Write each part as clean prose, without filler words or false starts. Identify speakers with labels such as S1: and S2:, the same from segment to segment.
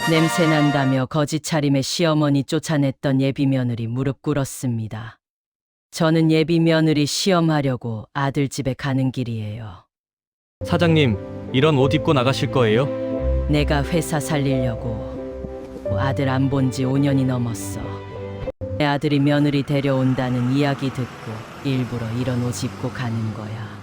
S1: 냄새난다며 거짓 차림의 시어머니 쫓아냈던 예비 며느리 무릎 꿇었습니다. 저는 예비 며느리 시험하려고 아들 집에 가는 길이에요.
S2: 사장님, 이런 옷 입고 나가실 거예요?
S1: 내가 회사 살리려고. 아들 안 본 지 5년이 넘었어. 내 아들이 며느리 데려온다는 이야기 듣고 일부러 이런 옷 입고 가는 거야.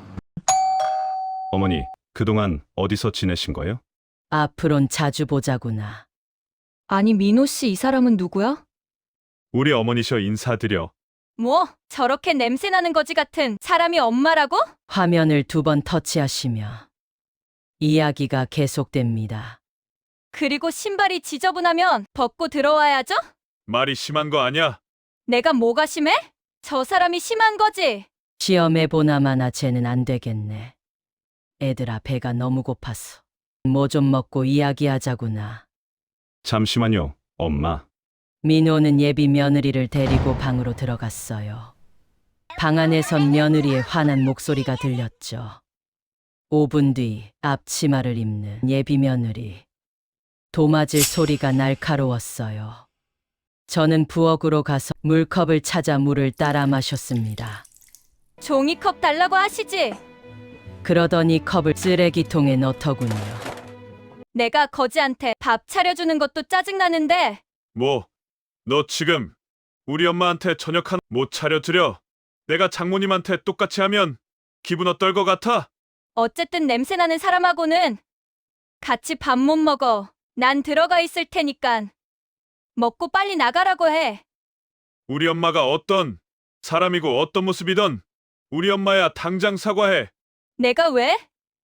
S3: 어머니, 그동안 어디서 지내신 거예요?
S1: 앞으론 자주 보자구나.
S4: 아니, 민호 씨, 이 사람은 누구야?
S3: 우리 어머니셔 인사드려.
S4: 뭐, 저렇게 냄새나는 거지 같은 사람이 엄마라고?
S1: 화면을 2번 터치하시며 이야기가 계속됩니다.
S4: 그리고 신발이 지저분하면 벗고 들어와야죠?
S3: 말이 심한 거 아니야?
S4: 내가 뭐가 심해? 저 사람이 심한 거지.
S1: 시험해 보나마나 쟤는 안 되겠네. 애들아, 배가 너무 고팠어. 뭐 좀 먹고 이야기하자구나.
S3: 잠시만요, 엄마.
S1: 민호는 예비 며느리를 데리고 방으로 들어갔어요. 방 안에선 며느리의 화난 목소리가 들렸죠. 5분 뒤 앞치마를 입는 예비 며느리. 도마질 소리가 날카로웠어요. 저는 부엌으로 가서 물컵을 찾아 물을 따라 마셨습니다.
S4: 종이컵 달라고 하시지?
S1: 그러더니 컵을 쓰레기통에 넣더군요.
S4: 내가 거지한테 밥 차려주는 것도 짜증나는데
S3: 뭐, 너 지금 우리 엄마한테 저녁 하나 못 차려드려? 내가 장모님한테 똑같이 하면 기분 어떨 것 같아?
S4: 어쨌든 냄새나는 사람하고는 같이 밥 못 먹어. 난 들어가 있을 테니깐 먹고 빨리 나가라고 해.
S3: 우리 엄마가 어떤 사람이고 어떤 모습이든 우리 엄마야 당장 사과해.
S4: 내가 왜?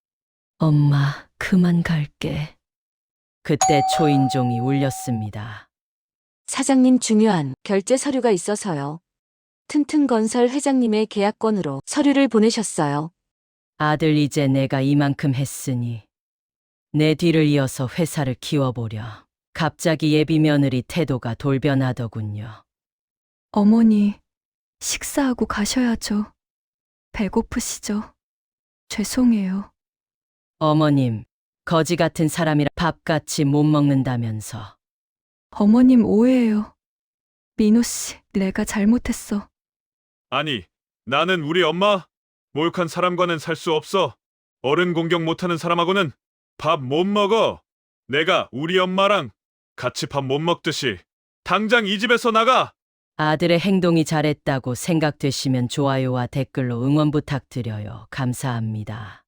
S1: 엄마, 그만 갈게. 그때 초인종이 울렸습니다.
S5: 사장님, 중요한 결제 서류가 있어서요. 튼튼건설 회장님의 계약건으로 서류를 보내셨어요.
S1: 아들, 이제 내가 이만큼 했으니 내 뒤를 이어서 회사를 키워보려. 갑자기 예비 며느리 태도가 돌변하더군요.
S4: 어머니, 식사하고 가셔야죠. 배고프시죠? 죄송해요.
S1: 어머님, 거지 같은 사람이라 밥같이 못 먹는다면서.
S4: 어머님 오해예요. 민호 씨, 내가 잘못했어.
S3: 아니, 나는 우리 엄마? 모욕한 사람과는 살 수 없어. 어른 공격 못하는 사람하고는 밥 못 먹어. 내가 우리 엄마랑 같이 밥 못 먹듯이 당장 이 집에서 나가!
S1: 아들의 행동이 잘했다고 생각되시면 좋아요와 댓글로 응원 부탁드려요. 감사합니다.